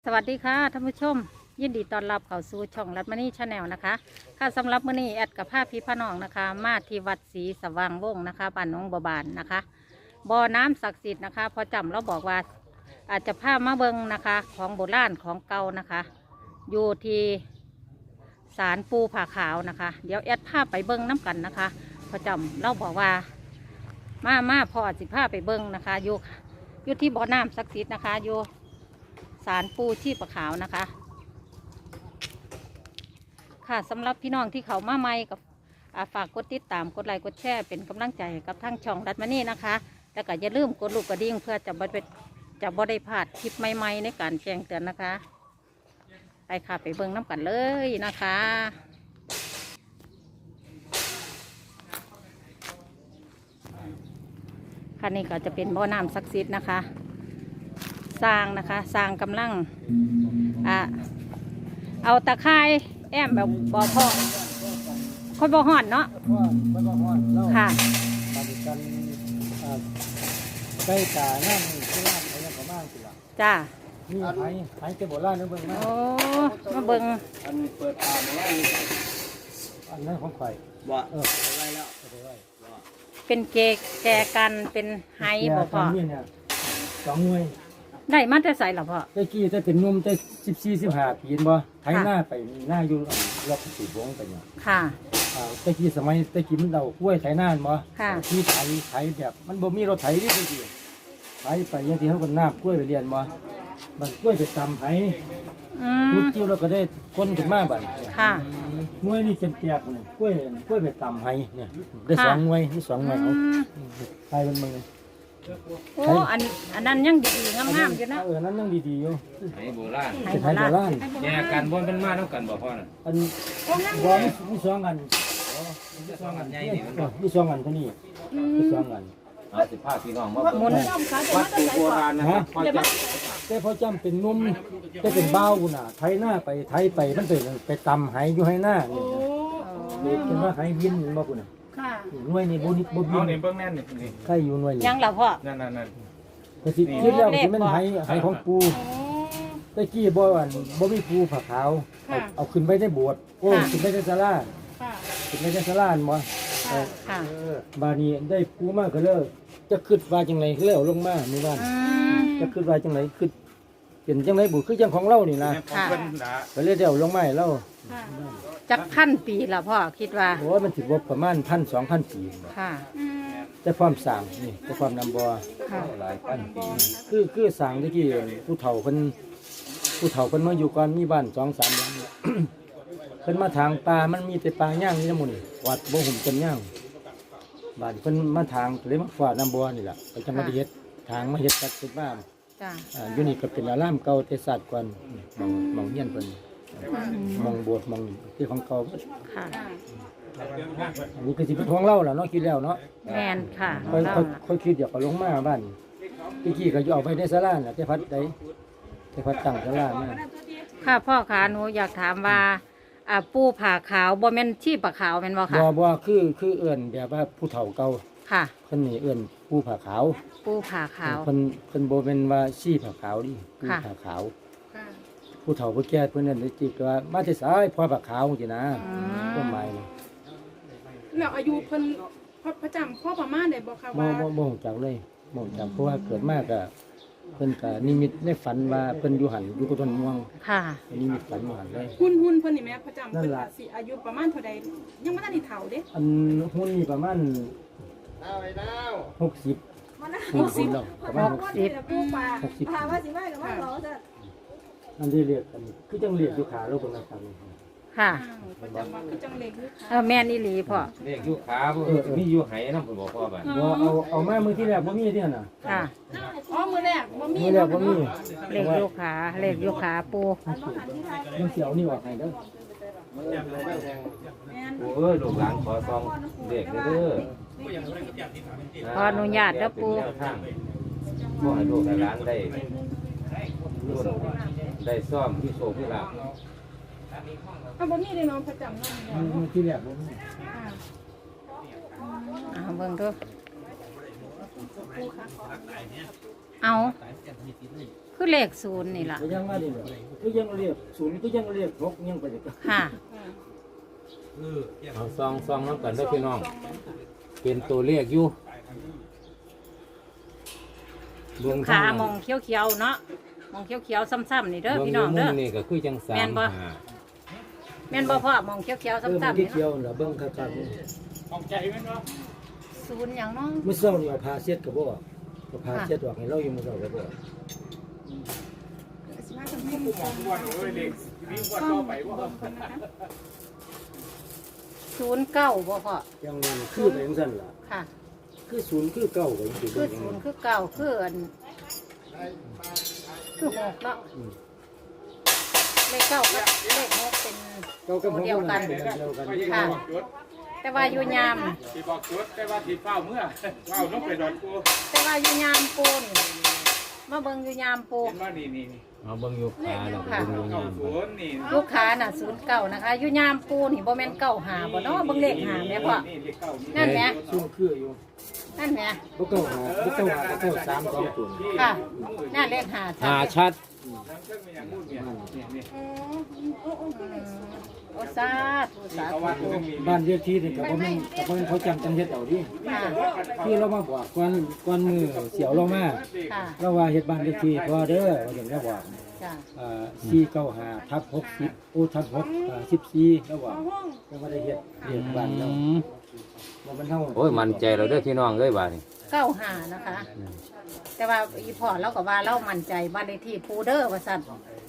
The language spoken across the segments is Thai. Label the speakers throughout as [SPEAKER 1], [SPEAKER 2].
[SPEAKER 1] สวัสดีค่ะท่านผู้ชมยินดีต้อนรับเข้าสู่ช่องรัตมณีชาแนลนะคะค่ะสำหรับมื้อนี้แอดกับภาพพี่พน้องนะคะมาที่วัดศรีสว่างวงศ์นะคะบ้านหนองบัวบานนะคะบ่อน้ำศักดิ์สิทธิ์นะคะพอจำเราบอกว่าอาจจะพามาเบิงนะคะของโบราณของเก่านะคะอยู่ที่ศาลปูผาขาวนะคะเดี๋ยวแอดพาไปเบิงน้ำกันนะคะพอจำเราบอกว่ามาพอสิพาไปเบิงนะคะอยู่ที่บ่อน้ำศักดิ์สิทธิ์นะคะอยู่ศาลปูชีพขาวนะคะค่ะสำหรับพี่น้องที่เขามาใหม่กับฝากกดติดตามกดไลค์กดแชร์เป็นกำลังใจกับทั้งช่องรัตมณีนะคะแล้วก็อย่าลืมกดลูกกระดิ่งเพื่อจะบ่ได้พลาดคลิปใหม่ๆในการแจ้งเตือนนะคะไปค่ะไปเบิ่งน้ำกันเลยนะคะค่ะนี่ก็จะเป็นบ่อน้ำศักดิ์สิทธิ์นะคะสร้างนะคะสร้างกำลังเอาตะไคร้แอมแบบบ่อพอค่อยบ่ห่อนเนาะค่ะ
[SPEAKER 2] ปฏิกันใกล้ตานั่งที่ร้านอะไรอย่างประมาณสิล่ะ
[SPEAKER 1] จ้า
[SPEAKER 2] นี่หายเจ็บโบราณนึกเบิ่งนะ
[SPEAKER 1] โอ้มาเบิ่ง
[SPEAKER 2] อันเปิดตามาว่าอันนั้นของข่อยว่าไว้แล้ว
[SPEAKER 1] เป็นแจกันเป็นไฮบ่พอ
[SPEAKER 2] เนี่ย2 หน่วย
[SPEAKER 1] ได้มาแต่ใส่หรอพ่อ
[SPEAKER 2] ตะกี้จะเป็นนุ่มแต่14-15 ปีบ่ไถหน้าไปหน้าอยู่รอบสีวงไปเนี่ย
[SPEAKER 1] ค่ะ
[SPEAKER 2] ตะกี้สมัยตะกี้มันเดากล้วยไถหน้าบ่
[SPEAKER 1] ค่ะ
[SPEAKER 2] ที่ไถแบบมันบ่มีรถไถที่ตะกี้ไถไปอย่างที่เขาก็น้ากล้วยไปเรียนบ่มันกล้วยไปตำไถพุดจิ้วแล้วก็ได้คนขึ้นมาบัด
[SPEAKER 1] ค่ะ
[SPEAKER 2] หน่วยนี่แจกๆนี่กล้วยไปตำไถเนี่ยได้2 หน่วยมี2 หน่วยเอาไถเป็นมึง
[SPEAKER 1] โอ้อันนั้นยังดีๆงามๆอยู่นะ
[SPEAKER 2] นั้นยังดีๆอยู่
[SPEAKER 3] ไทยโบราณ
[SPEAKER 2] ไทยโบราณ
[SPEAKER 3] แยกกันบนเป็นมาต้องกันบ่พ่อน่ะ
[SPEAKER 2] อันบ่มี2 อัน
[SPEAKER 3] มี2 อันใหญ่นี่มันบ่
[SPEAKER 2] มี2 อันเท่านี้มี2 อัน
[SPEAKER 3] สิพาพี่น้องมาเบิ่งวัดโบราณนะครับพ่อจ
[SPEAKER 2] แต่พอจำเป็นนุ่มแต่เป็นบ้าวน่ะไถหน้าไปไถไปมันไปตำไหอยู่ให้หน้านี่เป็นว่าไหวินบ่พุ่นน่ะหน่วยนี่บ่นิดบ่บิน
[SPEAKER 3] นี่เบิ่งแน่นนี่
[SPEAKER 2] ใครอยู่หน่วยนี่
[SPEAKER 1] ยังล่ะพ่อ
[SPEAKER 3] นั่น
[SPEAKER 2] ก็สิคิดแล้วสิมันไหของปูตะกี้บ่อันบ่มีปูผาขาวเอาขึ้นไปในโบสถ์โอ้ขึ้นไปในศาลาขึ้นไปในศาลาบ่บาดนี้ได้ปูมาก็เลยจะคิดว่าจังได๋คือแล้วลงมามื้อวานจะคิดว่าจังได๋คือเป็นจังได๋บุคือจังของเรานี่นะก็เลยเดี๋ยวลงมาให้เรา
[SPEAKER 1] จักพันปีละพ่อคิดว่า
[SPEAKER 2] โอ้มันสิบ่ประมาณ 1,000-2,000 ปี
[SPEAKER 1] ค่ะ
[SPEAKER 2] แต่ความสร้างนี่แต่ความนำบ่
[SPEAKER 3] หลายพันปี
[SPEAKER 2] คือสร้างตะกี้ผู้เฒ่าเพิ่นมาอยู่ก่อนมีบ้าน 2-3 หลังเพิ่นมาทางป่ามันมีแต่ป่าย่างนี่นะหมู่นี่วัดบ่หุ่มจนย่างบ้านเพิ่นมาทางเลยมาฝาดน้ำบ่นี่ล่ะก็จะมาเฮ็ดทางมาเฮ็ดตัดเป็นบ้าน
[SPEAKER 1] จ้า
[SPEAKER 2] อยู่นี่ก็เป็นอารามเก่าแต่ศาสตร์ก่อนมองเฮียนเพิ่นมองโบสถ์มองที่ของเก่า
[SPEAKER 1] ค่ะ
[SPEAKER 2] อันนี้คือสิเป็นของเราล่ะเนาะคิดแล้วเนาะ
[SPEAKER 1] แม่นค่ะ
[SPEAKER 2] ค่อยคิดอยากเอาลงมาบ้านพี่กี้ก็อยู่เอาไปในศาลาน่ะแต่พัดได้แต่พัดตั้งศาลามา
[SPEAKER 1] ค่ะพ่อขาหนูอยากถามว่าปูผาขาวบ่แม่นชีพผาขาวแม่นบ่ค่ะ
[SPEAKER 2] บ่คือเอื้อนแบบว่าผู้เฒ่าเก่า
[SPEAKER 1] ค่ะ
[SPEAKER 2] เพิ่นนี่เอื้อนปูผาขาว
[SPEAKER 1] ปูผาขาว
[SPEAKER 2] เพิ่นบ่แม่นว่าชีผาขาวดิปูผาขาวผู้เฒ่าผู้แก่เพิ่นนั่นจิกว่ามาแต่สายพ่อผาขาวจังนะต้นไม้นี่
[SPEAKER 4] แล้วอายุเพิ่นพระจำพ่อประมาณได้บ่ค่ะว่า
[SPEAKER 2] บ่ฮู้จักเลยบ่ฮู้จักเพราะว่าเกิดมาก็เพิ่นก็นิมิตในฝันว่าเพิ่นอยู่หั่นอยู่กับต้นม่วง
[SPEAKER 1] ค่ะ
[SPEAKER 2] นิมิตฝันอยู่หั่นเลย
[SPEAKER 4] หุ่นเพิ่นนี่แม่พระจำเพิ่นสิอายุประมาณเท่าใดยังบ่ทันได้เฒ่าเด้
[SPEAKER 2] อันหุ่นนี่ประมาณ60แล้วประมาณ60พาว่าสิมาก็มาหรอซะอันนี้เรียกกันคือจังเรียกอยู่ขาโลกคนละกัน
[SPEAKER 1] ค่ะ
[SPEAKER 4] ประจำว่าคือจังเล็กอยู่
[SPEAKER 1] แม่นอีหลีพ่อ
[SPEAKER 3] เลขอยู่ขามีอยู่ไหนำเพิ่นบอกพ่อบัด
[SPEAKER 2] เอามามื้อที่แรกบ่มีที่นั่นน่ะ
[SPEAKER 1] ค่ะ
[SPEAKER 4] มื้อแรกบ่มี
[SPEAKER 2] มื้อแรกบ่มี
[SPEAKER 1] เลขอยู่ขาปู
[SPEAKER 2] มันสิเอานี่ออกให้เด้อ
[SPEAKER 3] โอ้ยลูกหลานขอซองเลขเด้อ
[SPEAKER 1] ขออนุญาตเด้อปู
[SPEAKER 3] บ่ให้ลูกหลานได้ซ่อมที่โชคที่ลาภ
[SPEAKER 4] บ่มีเลยเนาะพระจำเนาะ
[SPEAKER 2] มื้อที่แรกบ่มี
[SPEAKER 1] เบิ่งดูเอาคือเลขศูนย์นี่ล่ะ
[SPEAKER 2] ก็ยังว่านี่แหละก็ยังเรียกศูนย์ก็ยังเรียก6ยังไปเลย
[SPEAKER 1] ค่ะ
[SPEAKER 3] เอาซองน้ำกันเด้อพี่น้องเป็นตัวเลขอยู่เบื้อง
[SPEAKER 1] ขามองเขียวๆเนาะมองเขียวๆซ้ำๆนี่เด้อพี่น้องเด้อ
[SPEAKER 3] นี่ก็คือจังสาม
[SPEAKER 1] แม่นบ่ แม่นบ่พ่อมองเขียวๆซ้ำๆ
[SPEAKER 2] ที่
[SPEAKER 1] นี่
[SPEAKER 2] เที่ย
[SPEAKER 1] เนาะ
[SPEAKER 2] วน่ะเบิ่งคักๆนี่
[SPEAKER 1] ศูนย์หยังเนาะ
[SPEAKER 2] มื้อเช้านี่เอาผ้าเช็ดก็บ่ออกเอาผ้าเช็ดออกให้เราอยู่มื้อเช้าก็บ่ออก
[SPEAKER 4] สิมาทำให้หมู่ของวันเล็กวิ่งวันต่อไปว่า
[SPEAKER 1] 09บ่พ่อ
[SPEAKER 2] ยังนั้นคือไปจังซั่นล่ะ
[SPEAKER 1] ค่ะ
[SPEAKER 2] คือศูนย์คือเก้าก็ยังสิ
[SPEAKER 1] คื
[SPEAKER 2] เบิ่
[SPEAKER 1] อง
[SPEAKER 2] อย่าง
[SPEAKER 1] ศู
[SPEAKER 2] นั้น
[SPEAKER 1] นย์คือเก่าคืออันคือหกเนาะเลขเก้ากับเลขหกเป็น
[SPEAKER 2] เก้ากับหก
[SPEAKER 1] เดียวกัน
[SPEAKER 2] เดียวกัน
[SPEAKER 1] ค่ะ แต่ว่าอยู่ยาม
[SPEAKER 5] ที่บอกจุดแต่ว่าที่เฝ้าเมื่อเฝ้าน้องไปดอนกู
[SPEAKER 1] แต่ว่าอยู่ยามปูนมาเบิ่งอยู่ยามปู
[SPEAKER 5] เห็นว่านี่
[SPEAKER 3] เอาเบิ่งอยู่ขาแล้วก็เบิ่งอยู่
[SPEAKER 5] เก้าย
[SPEAKER 3] าม
[SPEAKER 5] ศูนย์นี่
[SPEAKER 1] ลูกค้าน่ะ09นะคะอยู่ยามปูนี่บ่แม่น95บ่เนาะเบิ่งเลขหาแม่พ่อ
[SPEAKER 5] นี่เลขเก้านี่
[SPEAKER 1] นั่นแหม
[SPEAKER 2] ซุ่มคืออยู่
[SPEAKER 1] นั่นแหม
[SPEAKER 2] บ่เก้าหาบ่เก้าหาเก้าสาม2ตัว
[SPEAKER 1] ค่ะนั่นเลขหา
[SPEAKER 3] หาชัด
[SPEAKER 5] ทั้งเครื่องมีอย่างพูดเนี่ยนี่
[SPEAKER 1] โอ้สาธุสา
[SPEAKER 5] เขาว่า
[SPEAKER 1] ธุ
[SPEAKER 5] ต้องมี
[SPEAKER 2] บ้านเรียกที่นี่ก็บ่แม่นก็บ่แม่นเขาจำจังเฮ็ดเอาดิ
[SPEAKER 1] ค่ะ
[SPEAKER 2] ที่เรามาบอกก่อนมือเสียวเรามา
[SPEAKER 1] ค่ะ
[SPEAKER 2] เราว่าเฮ็ดบ้านเลขที่พอเด้อว่าอย่างนี้บอก
[SPEAKER 1] จ้ะ
[SPEAKER 2] 495/60โอ้ทับ6 14แล้วว่าก็บ่ได้เฮ็ดเรียกบ้านเราบ่มันเฮา
[SPEAKER 3] โอ้ยมั่นใจเราเด้อพี่น้องเอ้ยบาดนี้
[SPEAKER 1] 95นะคะ แต่ว่าอีพ่อเราก็ว่าเรามั่นใจบ้านเลขที่ปูเด้อว่าซั่น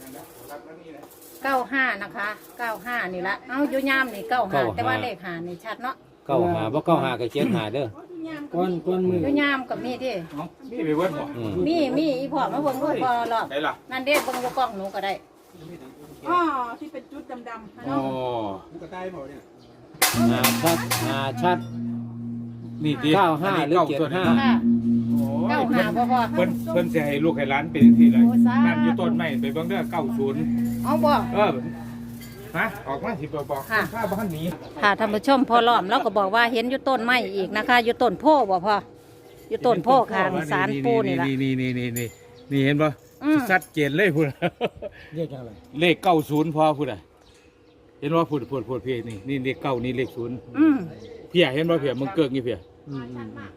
[SPEAKER 1] 95นะคะ95นี่ละเอ้าอยู่ยามนี่95แต่ว่าเลขหานี่ชัดเนาะ
[SPEAKER 3] เก้าหาบ่เก้าหาก็เจ็ดหาเด้อ
[SPEAKER 2] ก่อนมือ
[SPEAKER 1] อยู่ยามก็มีที่
[SPEAKER 5] นี่ไปเวิร์ดบ่
[SPEAKER 3] อืม
[SPEAKER 1] มีอีพ่อมาเบิ่งด้วยพอรอบ
[SPEAKER 5] ไหนล่ะ
[SPEAKER 1] นั่นเด้เบิ่งอยู่กล้องหนูก็ได้
[SPEAKER 4] อ๋อที่เป็นจุดดำๆ
[SPEAKER 5] อ๋อ
[SPEAKER 3] หาชัดหาชัด
[SPEAKER 5] นี่ดิ
[SPEAKER 3] 95หรือ
[SPEAKER 5] ตัวนี้
[SPEAKER 3] 75
[SPEAKER 1] ค่ะ
[SPEAKER 5] โอ้ย
[SPEAKER 1] 95บ่พอ
[SPEAKER 5] เพิ่นจะให้ลูกให้หลานเป็นที่ไร
[SPEAKER 1] โอ้สาธุ
[SPEAKER 5] นั่นอยู่ต้นไม้ไปเบิ่งเด้อ90
[SPEAKER 1] เอาบ่
[SPEAKER 5] ฮะออกมาสิบอก
[SPEAKER 1] ค่ะ
[SPEAKER 5] ข้าบ้านนี้
[SPEAKER 1] ค่ะท่านผู้ชมพอล้อมเราก็บอกว่าเห็นอยู่ต้นไม้อีกนะคะ อยู่ต้นโพบ่พออยู่ต้นโพข้างศาลปูนี่ล่ะ
[SPEAKER 5] นี่เห็นป่ะ
[SPEAKER 1] อืม
[SPEAKER 5] ชัดเจนเลยพูด
[SPEAKER 2] เรียกจังได๋
[SPEAKER 5] เลข90พอพูดอ่ะเห็นว่าพูดเพียนี่เลขเก้านี่เลขศูนย์
[SPEAKER 1] อืม
[SPEAKER 5] เพียเห็นว่าเพียมึงเกิงนี่เพีย
[SPEAKER 2] อืม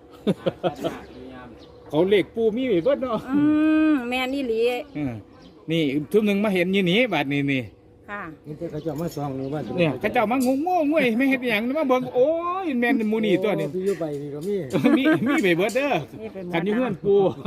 [SPEAKER 5] เขาเลขปูมีไว้เบิดเนาะ
[SPEAKER 1] แม่นี่หลี
[SPEAKER 5] นี่ทุกหนึ่งมาเห็นยี่นี้บาดนี่
[SPEAKER 1] ค่ะ
[SPEAKER 2] นี่แต่เขาเจ้ามาส่องนี่ว่า
[SPEAKER 5] เนี่ยเขาเจ้ามางงงวยไม่เห็นอย่างมาเบิ่งโอ้ยแม่นมูนี่ตัวนี้
[SPEAKER 2] ที่อยู่ไปนี่ก็มี
[SPEAKER 5] มีไปเบิดเด้อ
[SPEAKER 1] นี่เป็น
[SPEAKER 5] กันอยู่เฮือนปู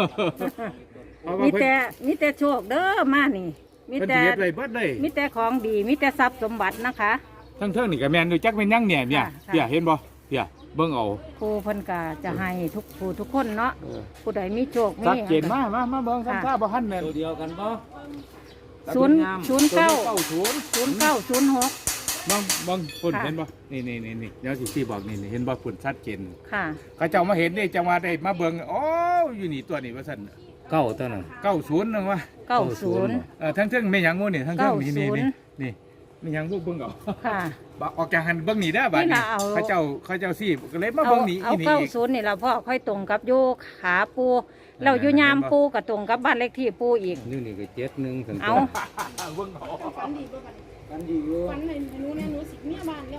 [SPEAKER 1] มีแต่โชคเด้อมานี่ มี
[SPEAKER 5] เพิ่น
[SPEAKER 1] แต่
[SPEAKER 5] สิเฮ็ดไว้เบิดเลย
[SPEAKER 1] มีแต่ของดีมีแต่ทรัพย์สมบัตินะคะ
[SPEAKER 5] ทั้งเทิงนี่ก็แม่นอยู่จักเป็นยังเนี่ย
[SPEAKER 1] ค่ะ
[SPEAKER 5] เพียเห็นบ่เพียเบิ่งเอา
[SPEAKER 1] ครูเพิ่นก็จะให้ทุกผู้ทุกคนเนาะผู้ใดมีโชคมี
[SPEAKER 5] ชัดเจนมาเบิ่งทำท่าบ่ทันแม่น
[SPEAKER 3] ตัวเดียวกันบ่
[SPEAKER 1] ศูนย์ศูนย์เก้า
[SPEAKER 5] 90
[SPEAKER 1] 0906
[SPEAKER 5] บางคน
[SPEAKER 1] ค่ะ
[SPEAKER 5] เห็นบ่นี่เดี๋ยวสิบอกนี่เห็นบ่ฝุ่นชัดเจน
[SPEAKER 1] ค่ะ
[SPEAKER 5] เขาเจ้ามาเห็นนี่จังว่าได้มาเบิ่งโอ้อยู่นี่ตัวนี้ว่าซั่น
[SPEAKER 3] เก้าตัวนั้น
[SPEAKER 5] 90นึงว่า
[SPEAKER 1] 90
[SPEAKER 5] ทั้งๆไม่หยังงูนี่ทั้งๆนี่
[SPEAKER 1] 90
[SPEAKER 5] นี่ไม่หยังงูเบิ่งเอา
[SPEAKER 1] ค่ะ
[SPEAKER 5] บ่ออกจากหันเบิ่งนี่เด้อบัด
[SPEAKER 1] นี่
[SPEAKER 5] นี้
[SPEAKER 1] ล่ะเอา
[SPEAKER 5] เขาเจ้าสิก็เลยมา
[SPEAKER 1] เอา
[SPEAKER 5] เบิ่งนี่
[SPEAKER 1] เอา
[SPEAKER 5] อีนี่อีก
[SPEAKER 1] 90นี่ล่ะพ่อค่อยตรงกับโยขาปูแล้วอยู่ยามปูก็ตรงกับบ้านเลขที่ปูอีก
[SPEAKER 3] นี่ก็71ถึง
[SPEAKER 1] เอา
[SPEAKER 5] เบิ่งเอา
[SPEAKER 4] ฝันดีบ่บัด
[SPEAKER 2] กันดีอยู่
[SPEAKER 4] ฝันเลยหนูเนี่ยหนูสิเมียบ้านแล้ว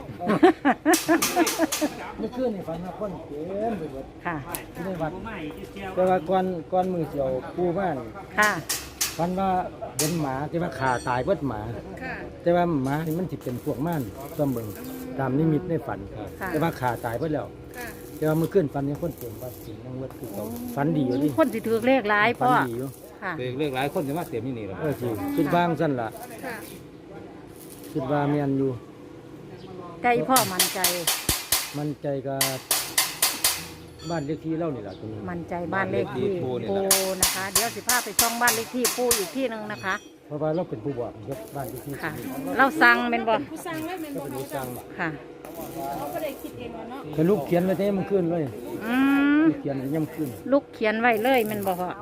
[SPEAKER 2] เมื่อคืนนี่ฝันว่าคนเต็มไปหมด
[SPEAKER 1] ค่ะ
[SPEAKER 2] ในวัดแต่ว่าก่อนมือเสียวปู่บ้าน
[SPEAKER 1] ค่ะ
[SPEAKER 2] ฝันว่าเห็นหมาที่ว่าขาตายเบิดหมา
[SPEAKER 4] ค่ะ
[SPEAKER 2] แต่ว่าหมานี่มันสิเป็นพวกม่านตำเบิงตามนิมิตในฝัน
[SPEAKER 1] ค่ะ
[SPEAKER 2] แต่ว่าขาตายเบิดแล้ว
[SPEAKER 4] ค่ะ
[SPEAKER 2] แต่ว่าเมื่อคืนฝันยังคนเต็มวัดสิยังวัดคือเก่าฝันดีอยู่ดิ
[SPEAKER 1] คนสิถือเลขหลาย
[SPEAKER 2] ฝั
[SPEAKER 1] พ่
[SPEAKER 2] น
[SPEAKER 1] อ
[SPEAKER 2] ดีอยู่
[SPEAKER 1] ค่ะ
[SPEAKER 3] เลขหลายคนจะมาเต็มที่นี่ล่ะ
[SPEAKER 2] สิคิดว่างซั่นล่ะ
[SPEAKER 4] ค่ะ
[SPEAKER 2] คิดว่าแม่นอยู่
[SPEAKER 1] ใจพ่อมั่นใจ
[SPEAKER 2] มันใจกับบ้านเลขที่เล่านี่ล่ะตรงนี้
[SPEAKER 1] มั่นใจบ้านเลขที่ปูนะคะ เดี๋ยวสิพาไปช่องบ้านเลขที่ปูอีกที่หนึงนะคะ
[SPEAKER 2] เพราะว่าเราเป็นผู้บอกยกบ้านเลขที่
[SPEAKER 1] ค่ะ เราสั่งเป็นบ่
[SPEAKER 4] ผู้สร้างเลยแม่น
[SPEAKER 2] ก็
[SPEAKER 4] บ่
[SPEAKER 2] เป็น
[SPEAKER 4] เขา
[SPEAKER 2] ผู้สั่ง
[SPEAKER 1] ค่ะ
[SPEAKER 4] เขาบ่ได้คิดเองว่าเนาะ
[SPEAKER 2] แต่ลูกเขียนไว้แต่มันขึ้นเลย
[SPEAKER 1] อืม
[SPEAKER 2] ลูกเขียนย่ำขึ้น
[SPEAKER 1] ลูกเขียนไว้เลยแมันบ่พ่อ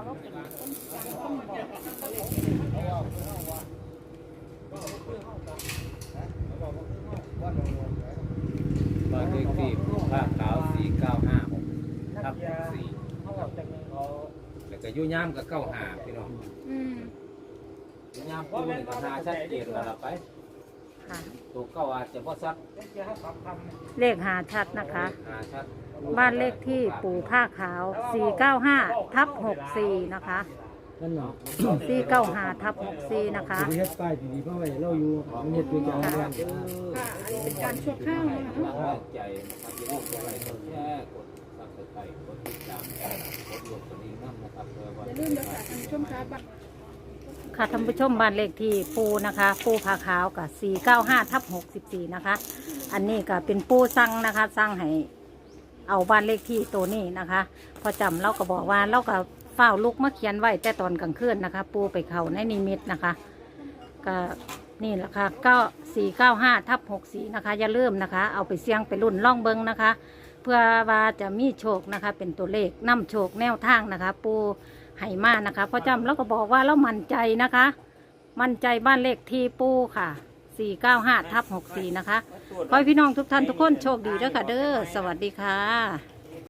[SPEAKER 3] บ้านเลขที่ภาคขาว4956ทับ4แล้วก็อยู่ยามก็95พี่น้อง
[SPEAKER 4] อืม
[SPEAKER 3] ยามปูนี่ก็หาชัดเจนแล้วล่ะไป
[SPEAKER 1] ค่ะ
[SPEAKER 3] ตัวเก้าอาจจะบ่ชัด
[SPEAKER 1] เลขหาชัดนะคะ
[SPEAKER 3] หาชัด
[SPEAKER 1] บ้านเลขที่ปู่ผ้าขาว 495/64 นะคะ
[SPEAKER 2] นั่นเนาะ
[SPEAKER 1] 495/64 นะคะ
[SPEAKER 2] จะไปเฮ็ดป้ายดีๆเพราะว่าเราอยู่มันเฮ็ดตัวอย่างเรื่อง
[SPEAKER 4] ค่ะอันนี้เป็นการชั่วคราวนะคะ
[SPEAKER 3] ตั้งแรงใจนะครับอย่าลืมกดไลค์กดแชร์กดซับสไครต์กดติดตามกดกระดิ่งนะครับเพื่อว่า
[SPEAKER 4] อย่าลืมเด้อค่ะท่านผู้ชมคะบัตร
[SPEAKER 1] ค่ะท่านผู้ชมบ้านเลขที่ปูนะคะปูผาขาวกับ495/64นะคะอันนี้ก็เป็นปูสั่งนะคะสั่งให้เอาบ้านเลขที่ตัวนี้นะคะพอจำเราก็บอกว่าเราก็เฝ้าลุกมาเขียนไว้แต่ตอนกลางคืนนะคะ ปูไปเขาในนิมิตนะคะก็นี่แหละค่ะก็495/64นะคะอย่าลืมนะคะ เอาไปเสี่ยงไปรุ่นล่องเบิงนะคะ เพื่อว่าจะมีโชคนะคะ เป็นตัวเลขนำโชคแนวทางนะคะ ปูไหมานะคะพอจำเราก็บอกว่าเรามั่นใจนะคะ มั่นใจบ้านเลขที่ปูค่ะ495/64นะคะขอให้พี่น้องทุกท่านทุกคนโชคดีด้วยค่ะเด้อสวัสดีค่ะ